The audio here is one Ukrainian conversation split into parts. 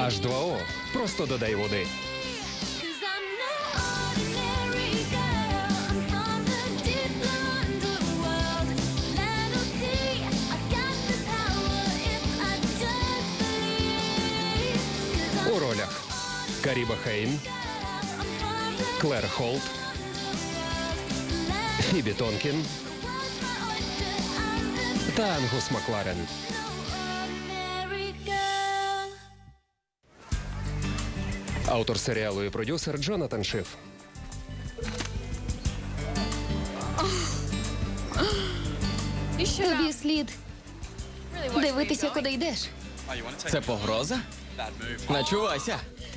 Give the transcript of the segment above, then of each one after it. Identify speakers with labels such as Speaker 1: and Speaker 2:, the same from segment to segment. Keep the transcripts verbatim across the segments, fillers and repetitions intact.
Speaker 1: аш два о. Просто додай води. У ролях Каріба Хейн, Клер Холт, Фібі Тонкін та Ангус Макларен. Автор серіалу і продюсер Джонатан Шиф.
Speaker 2: Тобі слід дивитися, куди йдеш.
Speaker 3: Це погроза? Начувайся.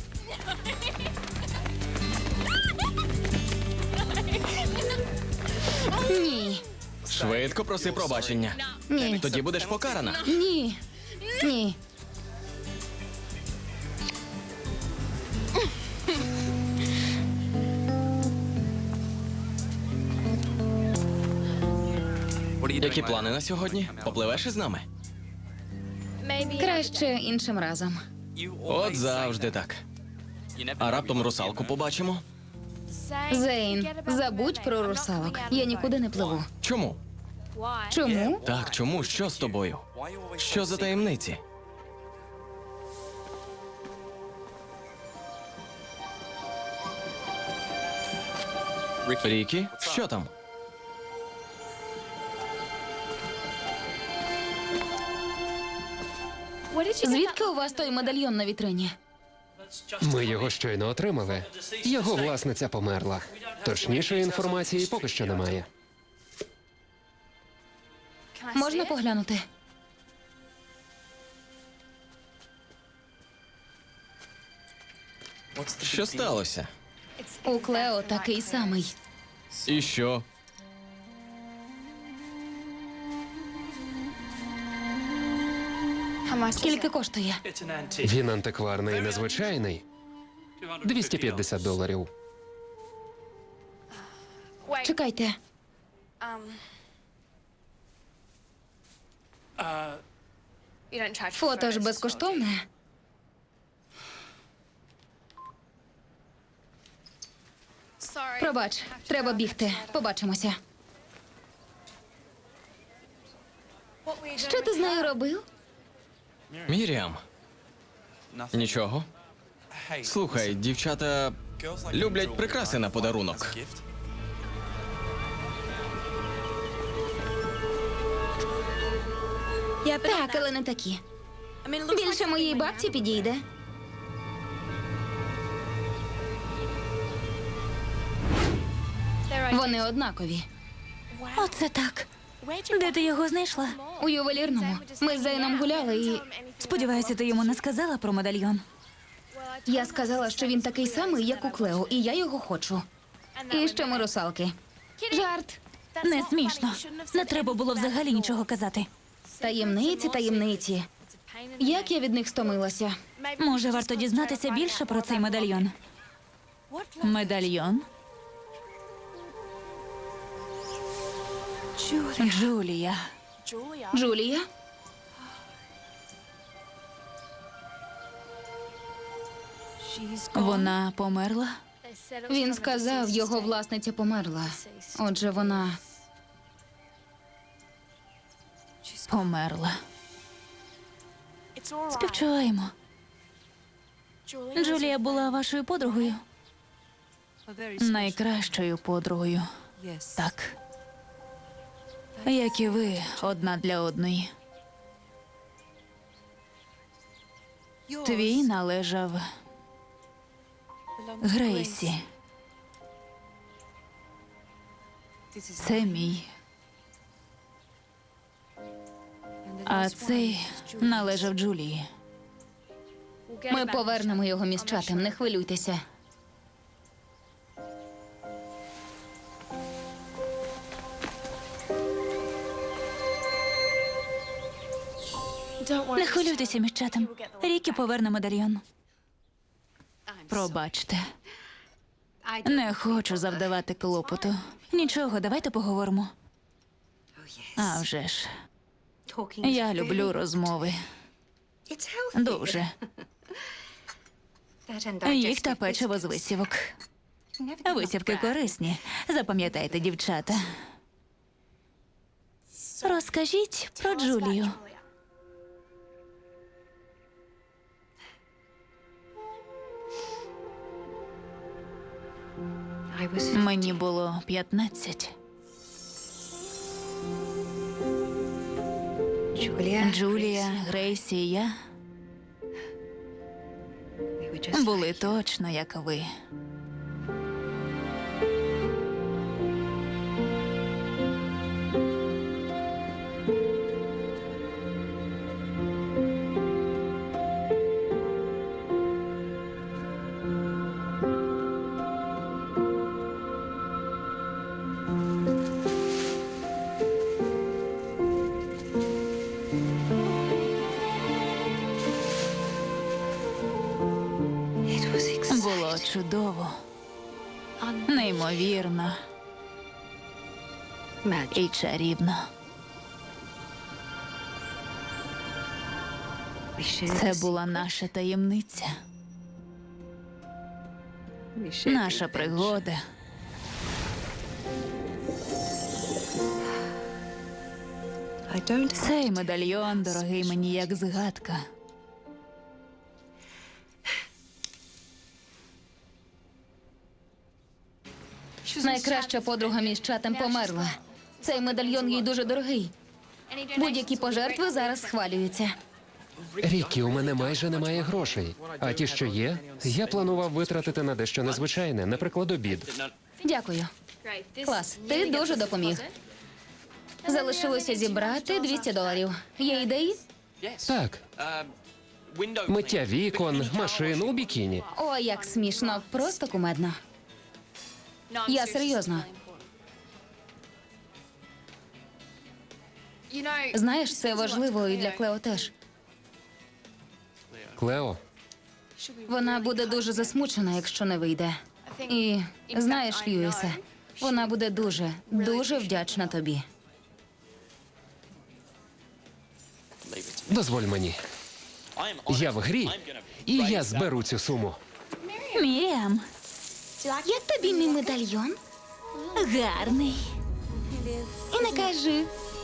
Speaker 2: Ні,
Speaker 3: Швидко проси пробачення.
Speaker 2: ні,
Speaker 3: Тоді будеш покарана.
Speaker 2: ні, ні.
Speaker 3: Які плани на сьогодні? Попливеш із нами?
Speaker 2: Краще іншим разом.
Speaker 3: От завжди так. А раптом русалку побачимо?
Speaker 2: Зейн, забудь про русалок. Я нікуди не пливу.
Speaker 3: Чому?
Speaker 2: Чому?
Speaker 3: Так, чому? Що з тобою? Що за таємниці? Рікі, що там?
Speaker 2: Звідки у вас той медальйон на вітрині?
Speaker 1: Ми його щойно отримали. Його власниця померла. Точнішої інформації поки що немає.
Speaker 2: Можна поглянути?
Speaker 3: Що сталося?
Speaker 2: У Клео такий самий.
Speaker 3: І що?
Speaker 2: Скільки коштує?
Speaker 1: Він антикварний і незвичайний. двісті п'ятдесят доларів.
Speaker 2: Чекайте. Фото ж безкоштовне. Пробач, треба бігти. Побачимося. Що ти з нею робив?
Speaker 3: Міріам. Нічого. Слухай, дівчата люблять прикраси на подарунок.
Speaker 2: Так, але не такі. Більше моїй бабці підійде. Вони однакові.
Speaker 4: Оце так. Де ти його знайшла?
Speaker 2: У ювелірному. Ми з Зейном гуляли і...
Speaker 4: Сподіваюся, ти йому не сказала про медальйон.
Speaker 2: Я сказала, що він такий самий, як у Клео, і я його хочу. І що ми русалки. Жарт.
Speaker 4: Не смішно. Не треба було взагалі нічого казати.
Speaker 2: Таємниці, таємниці. Як я від них стомилася.
Speaker 4: Може, варто дізнатися більше про цей медальйон? Медальйон? Джулія.
Speaker 2: Джулія?
Speaker 4: Вона померла?
Speaker 2: Він сказав, його власниця померла. Отже, вона...
Speaker 4: Померла. Співчуваємо. Джулія була вашою подругою? Найкращою подругою. Так. Як і ви, одна для одної. Твій належав Грейсі. Це мій. А цей належав Джулії.
Speaker 2: Ми повернемо його міщатам, не хвилюйтеся.
Speaker 4: Не хвилюйтеся, міщатам. Рікі поверне медальйон. Пробачте. Не хочу завдавати клопоту. Нічого, давайте поговоримо. А вже ж. Я люблю розмови. Дуже. Їх та печиво з висівок. Висівки корисні. Запам'ятайте, дівчата. Розкажіть про Джулію. Мені було п'ятнадцять. Джулія, Грейсі і я були точно як ви. Було чудово, неймовірно і чарівно. Це була наша таємниця, наша пригода. Цей медальйон дорогий мені як згадка.
Speaker 2: Найкраща подруга між чатом померла. Цей медальйон їй дуже дорогий. Будь-які пожертви зараз схвалюються.
Speaker 1: Рікі, у мене майже немає грошей. А ті, що є, я планував витратити на дещо незвичайне, наприклад, обід.
Speaker 2: Дякую. Клас, ти дуже допоміг. Залишилося зібрати двісті доларів. Є ідеї?
Speaker 1: Так, миття вікон, машин у бікіні.
Speaker 2: О, як смішно, просто кумедно. Я серйозно. Знаєш, це важливо і для Клео теж.
Speaker 1: Клео,
Speaker 2: Вона буде дуже засмучена, якщо не вийде. І знаєш, Льюісе, вона буде дуже, дуже вдячна тобі.
Speaker 1: дозволь мені. Я в грі, і я зберу цю суму.
Speaker 4: Міріам,
Speaker 2: Як тобі мій медальйон?
Speaker 4: гарний.
Speaker 2: І не кажи.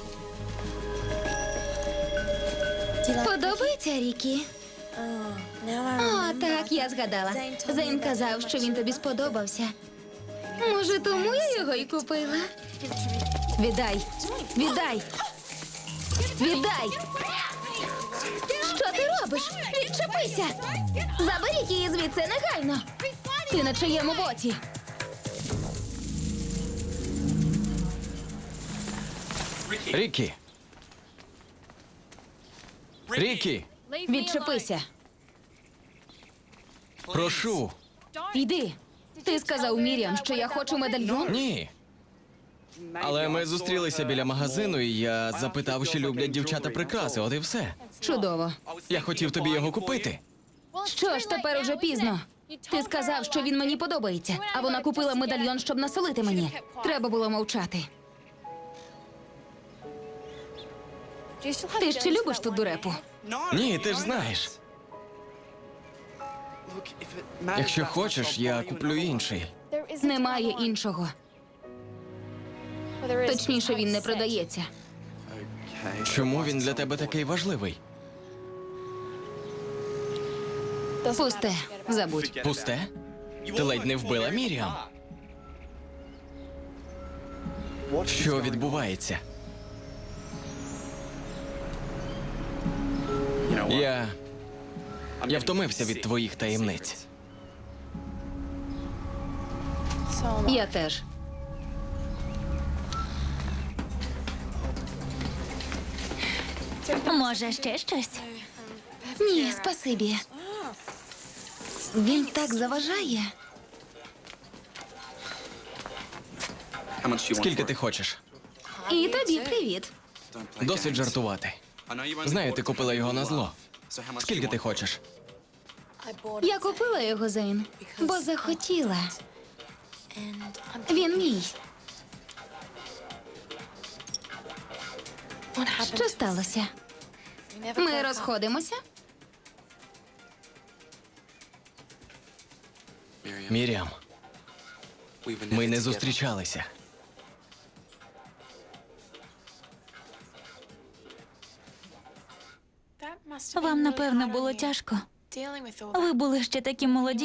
Speaker 2: Подобається, Рікі? О, так, я згадала. Зейн казав, що він тобі сподобався. Може, тому я його і купила? Віддай! Віддай! Віддай! Що ти робиш? Відчепися! Заберіть її звідси негайно! Ти на чиєму боці?
Speaker 3: Рікі! Рікі!
Speaker 2: Відчепися!
Speaker 3: Прошу!
Speaker 2: Йди! Ти сказав Мір'ям, що я хочу медальйон?
Speaker 3: Ні. Але ми зустрілися біля магазину, і я запитав, чи люблять дівчата прикраси, от і все.
Speaker 2: Чудово.
Speaker 3: Я хотів тобі його купити.
Speaker 2: Що ж, тепер уже пізно. Ти сказав, що він мені подобається, а вона купила медальйон, щоб насолити мені. Треба було мовчати. Ти ще любиш ту дурепу?
Speaker 3: Ні, ти ж знаєш. Якщо хочеш, я куплю інший.
Speaker 2: Немає іншого. Точніше, він не продається.
Speaker 3: Чому він для тебе такий важливий?
Speaker 2: Пусте, забудь.
Speaker 3: Пусте? Ти ледь не вбила Міріам. Що відбувається? Я. Я втомився від твоїх таємниць.
Speaker 2: Я теж.
Speaker 4: Може, ще щось?
Speaker 2: Ні, спасибі. Він так заважає.
Speaker 3: Скільки ти хочеш?
Speaker 2: І тобі привіт.
Speaker 3: Досить жартувати. Знаю, ти купила його на зло. Скільки ти хочеш?
Speaker 2: Я купила його, Зейн, бо захотіла. Він мій. Що сталося? Ми розходимося?
Speaker 3: Мір'ям, ми не зустрічалися.
Speaker 4: Вам, напевно, було тяжко. Ви були ще такі молоді.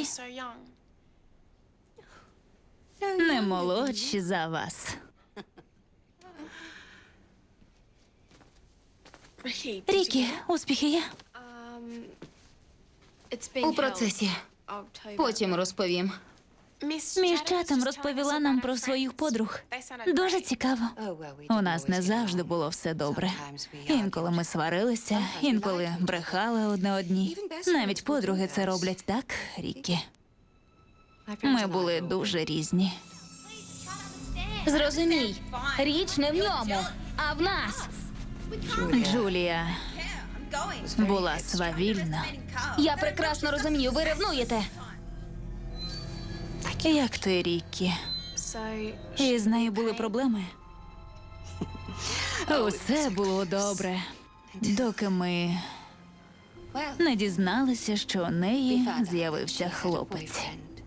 Speaker 4: Не молодші за вас. Рікі, успіхи є?
Speaker 2: У процесі. Потім розповім.
Speaker 4: Між чатом розповіла нам про своїх подруг. Дуже цікаво. У нас не завжди було все добре. Інколи ми сварилися, інколи брехали одне одній. Навіть подруги це роблять так, Рікі. Ми були дуже різні.
Speaker 2: Зрозумій, річ не в ньому, а в нас.
Speaker 4: Джулія була свавільна.
Speaker 2: Я прекрасно розумію, ви ревнуєте.
Speaker 4: Як ти, Рікі? І з нею були проблеми? Усе було добре, доки ми не дізналися, що у неї з'явився хлопець.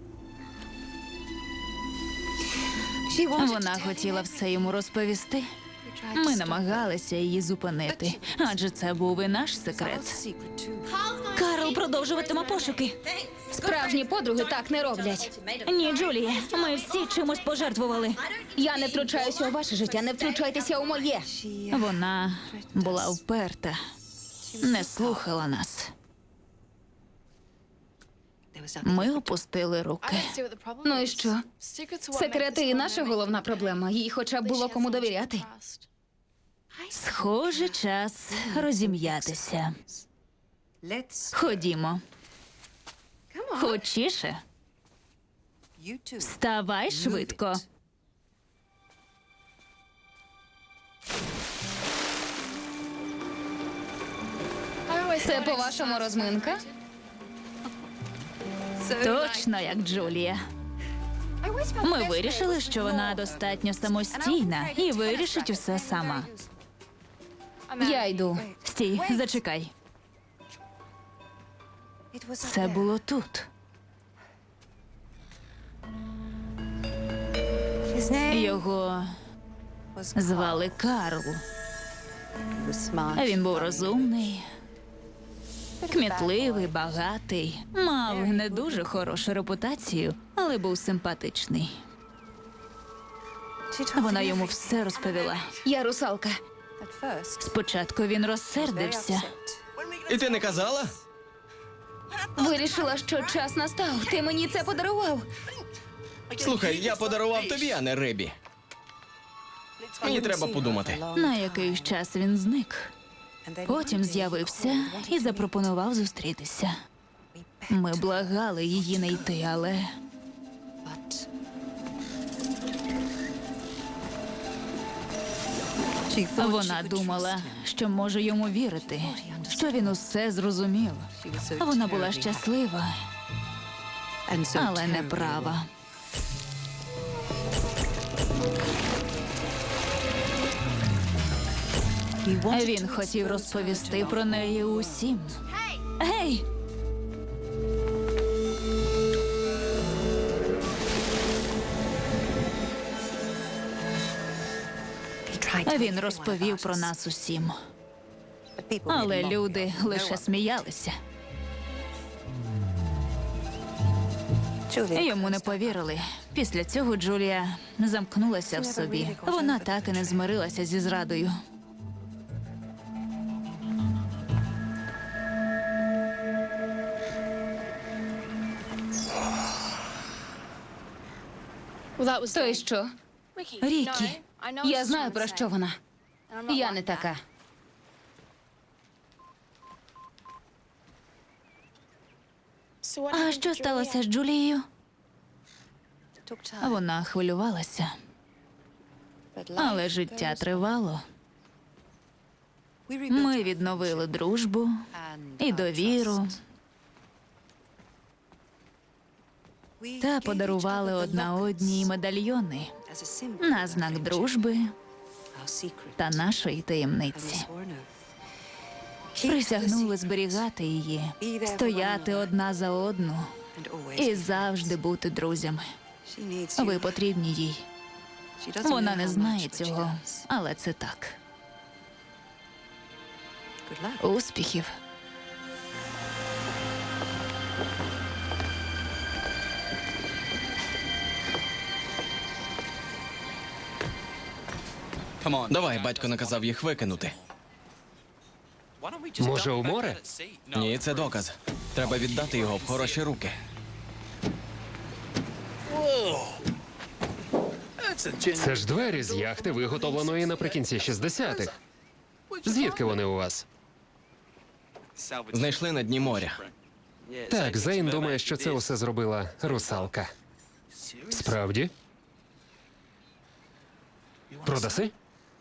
Speaker 4: Вона хотіла все йому розповісти. Ми намагалися її зупинити, адже це був і наш секрет. Карл продовжуватиме пошуки.
Speaker 2: Справжні подруги так не роблять.
Speaker 4: Ні, Джулія, ми всі чимось пожертвували.
Speaker 2: Я не втручаюся у ваше життя, не втручайтеся у моє.
Speaker 4: Вона була вперта, не слухала нас. Ми опустили руки.
Speaker 2: Ну і що? Секрети і наша головна проблема. Їй хоча б було кому довіряти.
Speaker 4: Схоже, час розім'ятися. Ходімо. Хочіше. Вставай швидко.
Speaker 2: Це, по-вашому, розминка?
Speaker 4: Точно як Джулія. Ми вирішили, що вона достатньо самостійна і вирішить усе сама.
Speaker 2: Я йду.
Speaker 4: Стій, зачекай. Це було тут. Його звали Карл. Він був розумний, кмітливий, багатий, мав не дуже хорошу репутацію, але був симпатичний. Вона йому все розповіла.
Speaker 2: Я русалка.
Speaker 4: Спочатку він розсердився.
Speaker 3: І ти не казала?
Speaker 2: Вирішила, що час настав. Ти мені це подарував.
Speaker 3: Слухай, я подарував тобі, а не Ребі. Мені треба подумати.
Speaker 4: На якийсь час він зник. Потім з'явився і запропонував зустрітися. Ми благали її не йти, але вона думала, що може йому вірити, що він усе зрозумів. Вона була щаслива, але не права. Він хотів розповісти про неї усім. Гей! Він розповів про нас усім. Але люди лише сміялися. Йому не повірили. Після цього Джулія замкнулася в собі. Вона так і не змирилася зі зрадою.
Speaker 2: То й що?
Speaker 4: Рікі,
Speaker 2: Я знаю, про що вона. Я не така.
Speaker 4: а що сталося з Джулією? Вона хвилювалася. Але життя тривало. Ми відновили дружбу і довіру. Та подарували одна одній медальйони на знак дружби та нашої таємниці. Присягнули зберігати її, стояти одна за одну і завжди бути друзями. Ви потрібні їй. Вона не знає цього, але це так. Успіхів.
Speaker 3: Давай, батько наказав їх викинути.
Speaker 1: Може, у море?
Speaker 3: Ні, це доказ. Треба віддати його в хороші руки.
Speaker 1: Це ж двері з яхти, виготовленої наприкінці шістдесятих. Звідки вони у вас?
Speaker 3: Знайшли на дні моря.
Speaker 1: Так, Зейн думає, що це усе зробила русалка. Справді? Продаси?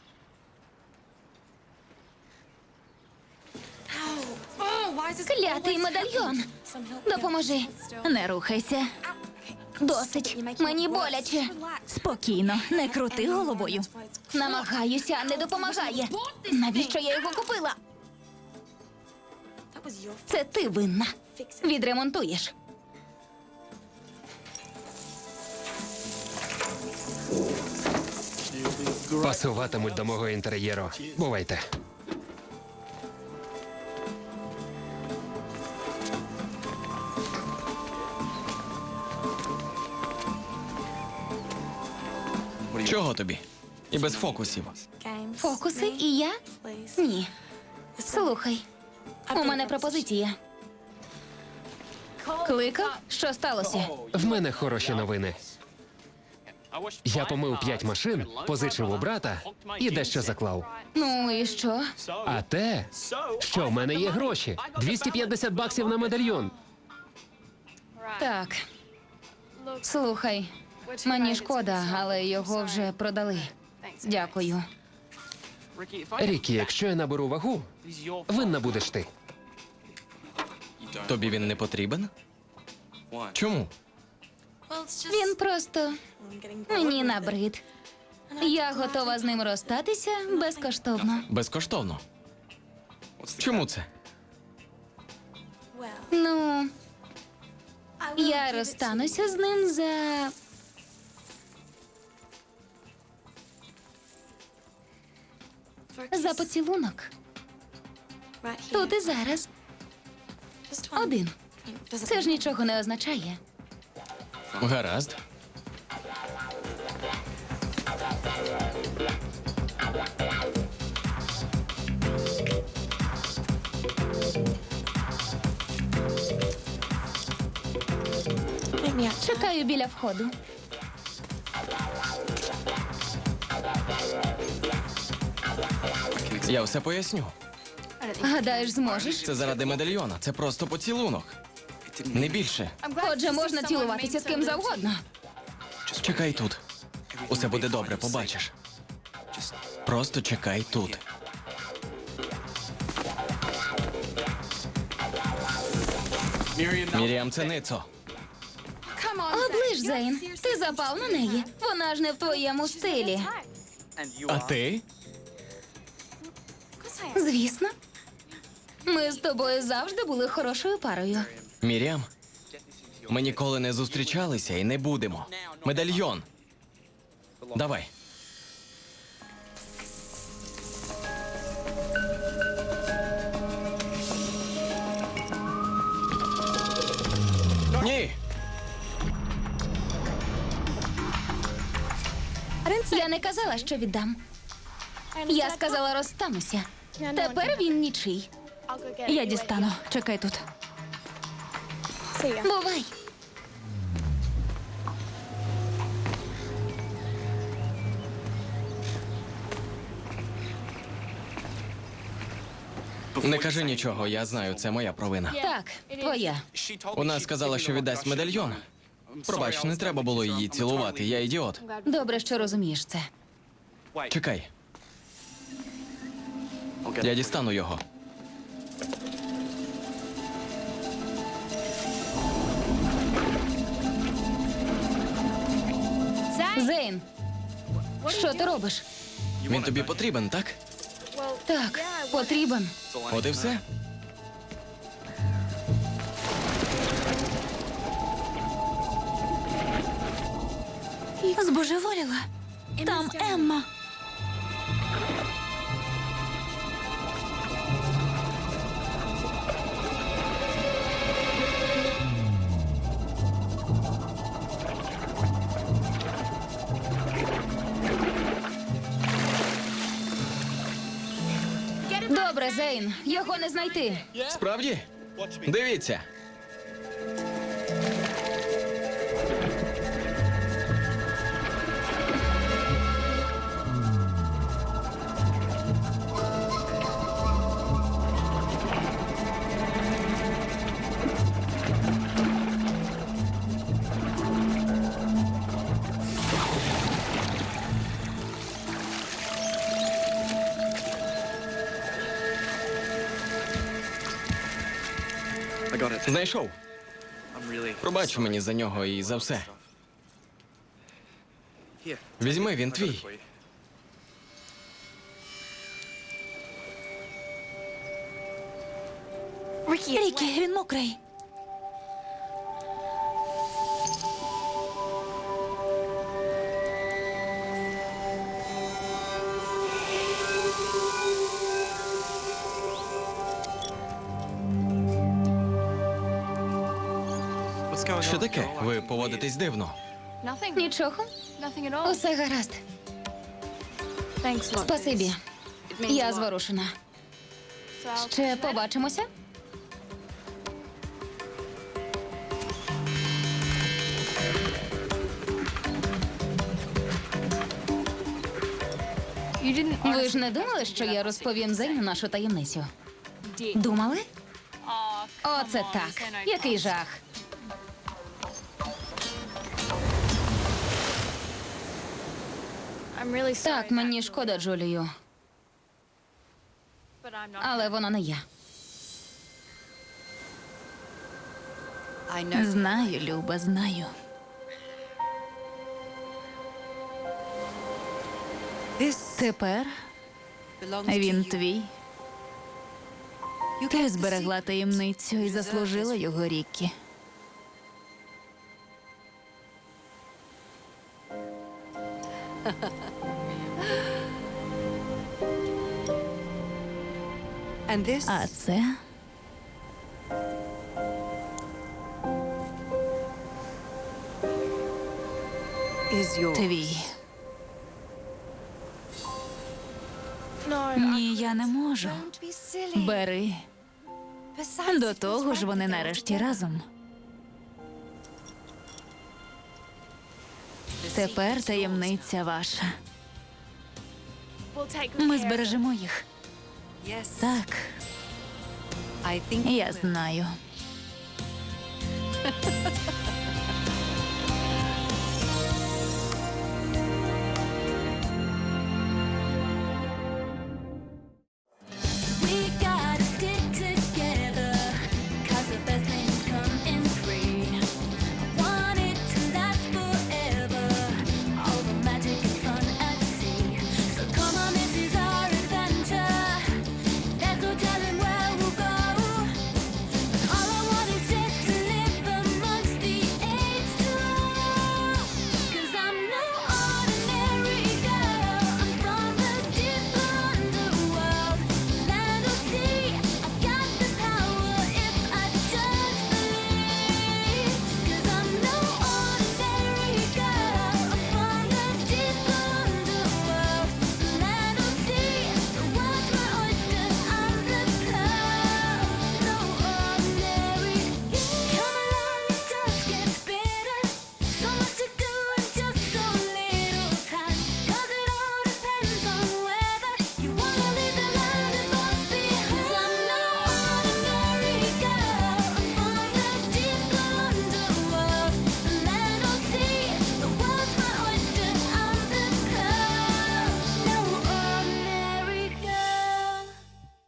Speaker 2: Клятий медальйон. Допоможи.
Speaker 4: Не рухайся.
Speaker 2: Досить. Мені боляче.
Speaker 4: Спокійно, не крути головою.
Speaker 2: Намагаюся, а не допомагає. Навіщо я його купила? Це ти винна. Відремонтуєш.
Speaker 1: Пасуватимуть до мого інтер'єру. Бувайте.
Speaker 3: Чого тобі? І без фокусів.
Speaker 2: Фокуси і я? Ні. Слухай, у мене пропозиція. Кликав? Що сталося?
Speaker 1: В мене хороші новини. Я помив п'ять машин, позичив у брата і дещо заклав.
Speaker 2: Ну і що?
Speaker 1: А те, що в мене є гроші. двісті п'ятдесят баксів на медальйон.
Speaker 2: Так. Слухай, мені шкода, але його вже продали. Дякую.
Speaker 1: Рікі, якщо я наберу вагу, винна будеш ти.
Speaker 3: Тобі він не потрібен? Чому?
Speaker 2: Він просто мені набрид. Я готова з ним розстатися безкоштовно.
Speaker 3: Безкоштовно. Чому це?
Speaker 2: Ну, я розстануся з ним за. За поцілунок. Тут і зараз. Один. Це ж нічого не означає.
Speaker 3: Гаразд.
Speaker 2: Чекаю біля входу.
Speaker 3: Я все поясню.
Speaker 2: Гадаєш, зможеш?
Speaker 3: Це заради медальйона. Це просто поцілунок. Не більше.
Speaker 2: Отже, можна цілуватися з ким завгодно.
Speaker 3: Чекай тут. Усе буде добре, побачиш. Просто чекай тут. Міріам, це Ницо.
Speaker 2: Оближ, Зейн. Ти запав на неї. Вона ж не в твоєму стилі.
Speaker 3: А ти?
Speaker 2: Звісно. Ми з тобою завжди були хорошою парою.
Speaker 3: Міріам? Ми ніколи не зустрічалися і не будемо. Медальйон. Давай. Ні.
Speaker 2: Я не казала, що віддам. Я сказала, розстануся. Тепер він нічий.
Speaker 4: Я дістану. Чекай тут.
Speaker 2: Бувай.
Speaker 3: Не кажи нічого, я знаю, це моя провина.
Speaker 2: Так, твоя.
Speaker 3: Вона сказала, що віддасть медальйон. Пробач, не треба було її цілувати, я ідіот.
Speaker 2: Добре, що розумієш це.
Speaker 3: Чекай. Я дістану його.
Speaker 2: Зейн, що ти робиш?
Speaker 3: Він тобі потрібен, так?
Speaker 2: Так, потрібен.
Speaker 3: От і все.
Speaker 4: Збожеволіла. Там Емма.
Speaker 2: Добре, Зейн, його не знайти.
Speaker 3: Справді? Дивіться. Знайшов. Пробач мені за нього і за все. Візьми, він твій.
Speaker 4: Рікі, він мокрий.
Speaker 3: Що таке? Ви поводитесь дивно.
Speaker 2: Нічого. Усе гаразд. Спасибі. Я зворушена. Ще побачимося? Ви ж не думали, що я розповім Зейну нашу таємницю? Думали? Оце так. Який жах. Так, мені шкода Джулію, але вона не я.
Speaker 4: Знаю, Люба, знаю. Тепер він твій. Ти зберегла таємницю і заслужила його, Рікі. А це твій. Ні, я не можу. Бери. До того ж, вони нарешті разом. Тепер таємниця ваша. Ми збережемо їх. Так, я знаю.